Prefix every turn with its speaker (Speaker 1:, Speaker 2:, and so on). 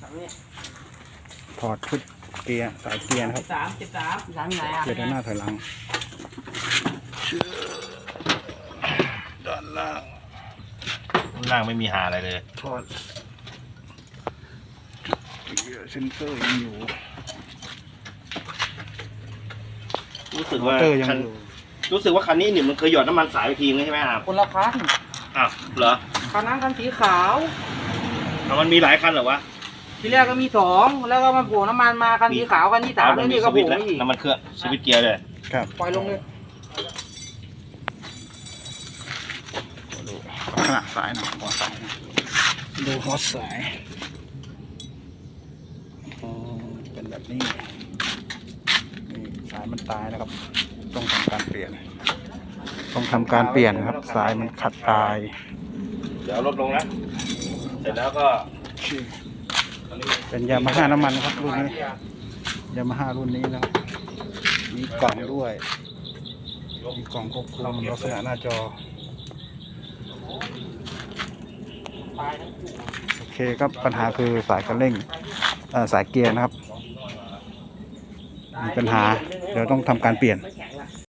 Speaker 1: ถอดชุดเกียร์สายเกียร์นะครับ
Speaker 2: 73ไหนอ่ะ
Speaker 1: เกียร์ด้านหน้าถอยหลังด้านล่าง
Speaker 3: ล่างไม่มีหาอะไรเลย
Speaker 1: ถอดเกียร์เซนเซอร์ยังอยู่
Speaker 3: รู้สึกว่า
Speaker 1: เตอร์ยัง
Speaker 3: คัน
Speaker 1: อยู่
Speaker 3: รู้สึกว่าคันนี้เนี่ยมันเคยหยอดน้ำมันสายไปทีนึงใช่ไหมครับ
Speaker 2: คนละคัน
Speaker 3: อ้าวเหรอ
Speaker 2: คันนั้นคันสีขาว
Speaker 3: เอามันมีหลายคันเหรอวะ
Speaker 2: ทีแรกก็มี2แล้วก็มาโผล่น้ำมันมาคันสีขาวคันที่3แล้วนี่ก็
Speaker 3: ส
Speaker 2: โผ
Speaker 3: วิ
Speaker 2: ล่
Speaker 3: ตช์แล้ว
Speaker 2: มาอีก
Speaker 3: น้ำมันเครื่องสวิตช์เกียร์เลย
Speaker 1: ครับ
Speaker 2: ปล่อยลงเลย
Speaker 1: ดูลักษณะสายหน่อยหัวสายนะดูหัวสายเป็นแบบนี้นี่สายมันตายนะครับ ต้องทำการเปลี่ยนนะครับ สายมันขัดตาย
Speaker 3: เดี๋ยวลดลงนะเสร็จแล้วก็
Speaker 1: เป็นยามาฮ่าน้ำมันนะครับรุ่นนี้ยามาฮ่ารุ่นนี้นะครับมีกล่องด้วยมีกล่องควบคุมลักษณะหน้าจอโอเคครับปัญหาคือสายคันเร่งสายเกียร์นะครับมีปัญหาเดี๋ยวต้องทำการเปลี่ยน
Speaker 2: ไม่แข็ง